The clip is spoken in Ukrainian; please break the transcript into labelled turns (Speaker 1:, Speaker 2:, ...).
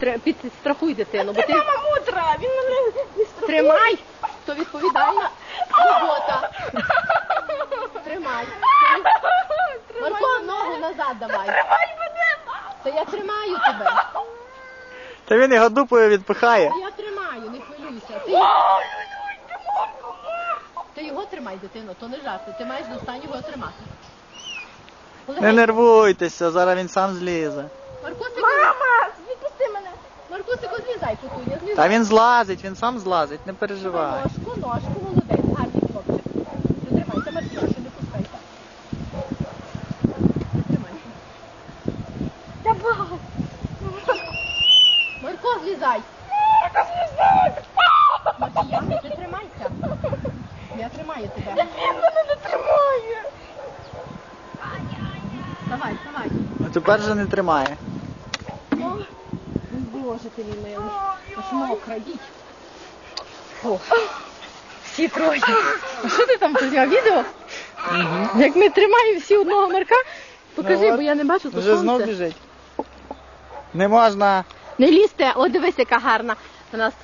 Speaker 1: Підстрахуй дитину, бо ти...
Speaker 2: Мама мудра, він мене не страхує.
Speaker 1: Тримай, хто відповідальна. Робота. Тримай. Марко, ногу назад давай.
Speaker 2: Тримай мене, мама.
Speaker 1: Та я тримаю тебе.
Speaker 3: Та він його дупою відпихає.
Speaker 1: Та я тримаю, не хвилюйся. Ти його тримай, дитино, то не жарти. Ти маєш до останнього його тримати.
Speaker 3: Не нервуйтеся, зараз він сам злізе.
Speaker 1: Маркусику,
Speaker 2: Мама, відпусти мене.
Speaker 1: Маркусику, злізай, путуня, злізай.
Speaker 3: Та він злазить, він сам злазить, не переживай.
Speaker 1: Ножку, молодець, гарний хлопчик. Притримайся, Маркіша, не пускайся. Притримайся.
Speaker 2: Давай.
Speaker 1: Марко, злізай. Маркіяна, ти тримайся. Я тримаю тебе.
Speaker 2: Він мене не тримає.
Speaker 1: Давай, давай.
Speaker 3: А тепер же не тримає.
Speaker 1: Боже ти мій милий. Аж мокра, їдь. О, всі троє. А що ти там зняв відео? Як ми тримаємо всі одного Марка? Покажи,
Speaker 3: Ну,
Speaker 1: бо я не бачу, то
Speaker 3: вже знов
Speaker 1: сонце.
Speaker 3: біжить. Не можна.
Speaker 1: Не лізьте, о, дивись, яка гарна. У нас